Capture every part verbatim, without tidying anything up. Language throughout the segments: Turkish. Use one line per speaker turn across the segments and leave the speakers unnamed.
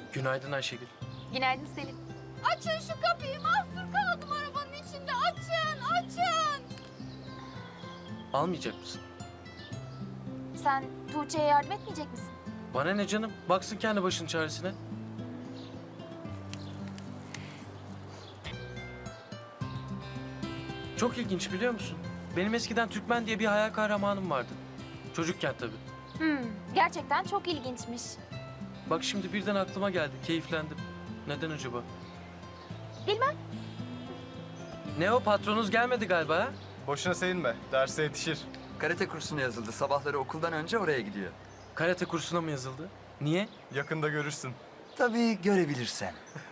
Günaydın Ayşegül.
Günaydın Selim.
Açın şu kapıyı, mahsur kaldım arabanın içinde. Açın, açın.
Almayacak mısın?
Sen Tuğçe'ye yardım etmeyecek misin?
Bana ne canım? Baksın kendi başının çaresine. Çok ilginç biliyor musun? Benim eskiden Türkmen diye bir hayal kahramanım vardı. Çocukken tabii.
Hmm, gerçekten çok ilginçmiş.
Bak şimdi birden aklıma geldi. Keyiflendim. Neden acaba?
Bilmem.
Ne o, patronunuz gelmedi galiba ha?
Boşuna sevinme. Derse yetişir.
Karate kursuna yazıldı. Sabahları okuldan önce oraya gidiyor.
Karate kursuna mı yazıldı? Niye?
Yakında görürsün.
Tabii görebilirsen.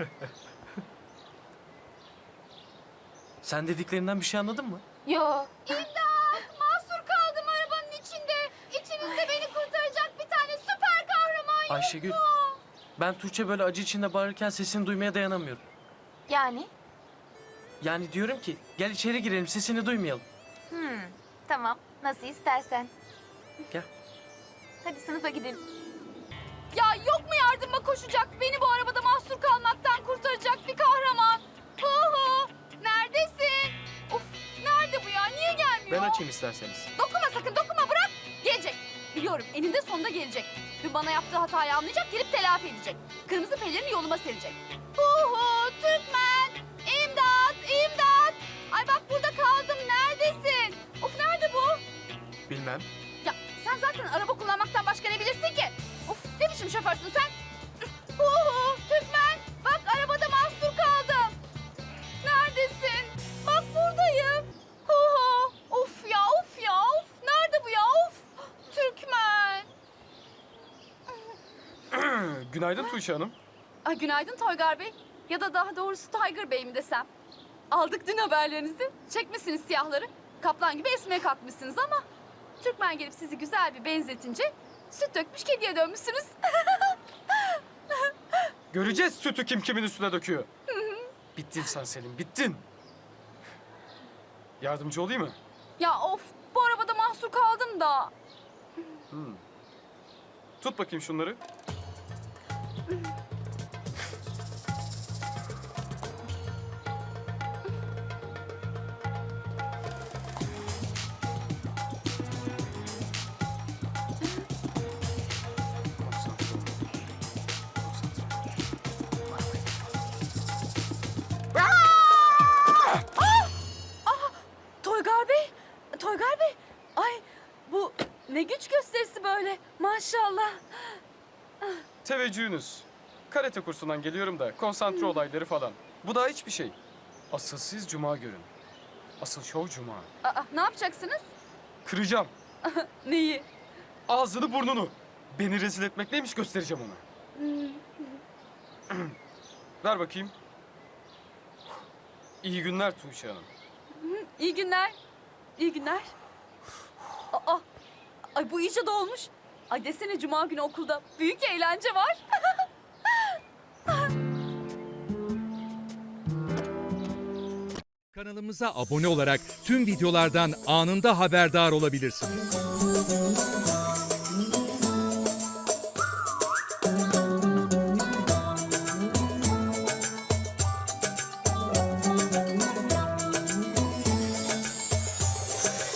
Sen dediklerinden bir şey anladın mı?
Yo.
Mahsur kaldım arabanın içinde. İçinizde beni kurtaracak bir tane süper kahraman yok
Ayşegül,
mu?
ben Tuğçe böyle acı içinde bağırırken sesini duymaya dayanamıyorum.
Yani?
Yani diyorum ki gel içeri girelim, sesini duymayalım.
Hmm, tamam. Nasıl istersen.
Gel.
Hadi sınıfa gidelim.
Ya yok mu yardıma koşacak, beni bu arabada mahsur kalmaktan kurtaracak bir kahraman? Hu hu, neredesin? Of, nerede bu ya, niye gelmiyor?
Ben açayım isterseniz.
Dokunma sakın, dokunma, bırak. Gelecek. Biliyorum, eninde sonunda gelecek. Dün bana yaptığı hatayı anlayacak, gelip telafi edecek. Kırmızı pelerini yoluma serecek. Hu hu, Türkmen. İmdat, imdat. Ay bak burada kaldım, neredesin? Of, nerede bu?
Bilmem.
Ya sen zaten araba kullanmaktan başka ne bilirsin ki? Of, ne biçim şoförsün sen? Hu hu, Türkmen. Bak arabada mahsur kaldım. Neredesin? Bak buradayım. Hu hu. Of ya, of ya, of. Nerede bu ya, of. Türkmen.
Günaydın Tuğçe Hanım.
Ay günaydın Toygar Bey. Ya da daha doğrusu Tiger Bey mi desem. Aldık dün haberlerinizi. Çekmişsiniz siyahları. Kaplan gibi esmeye kalkmışsınız ama... Türkmen gelip sizi güzel bir benzetince... süt dökmüş kediye dönmüşsünüz.
Göreceğiz sütü kim kimin üstüne döküyor. Bittin sen Selim, bittin. Yardımcı olayım mı?
Ya of, bu arabada mahsur kaldım da.
Tut bakayım şunları.
Toygar Bey, Toygar Bey. Ay bu ne güç gösterisi böyle, maşallah.
Teveccühünüz. Karate kursundan geliyorum da konsantre olayları falan. Bu daha hiçbir şey. Asıl siz cuma görün. Asıl şov cuma.
Aa, ne yapacaksınız?
Kıracağım.
Neyi?
Ağzını burnunu. Beni rezil etmek neymiş göstereceğim ona. Ver bakayım. İyi günler Tuğçe Hanım.
İyi günler. İyi günler. Aa, ay bu iyice dolmuş. Ay desene cuma günü okulda büyük eğlence var.
Kanalımıza abone olarak tüm videolardan anında haberdar olabilirsiniz.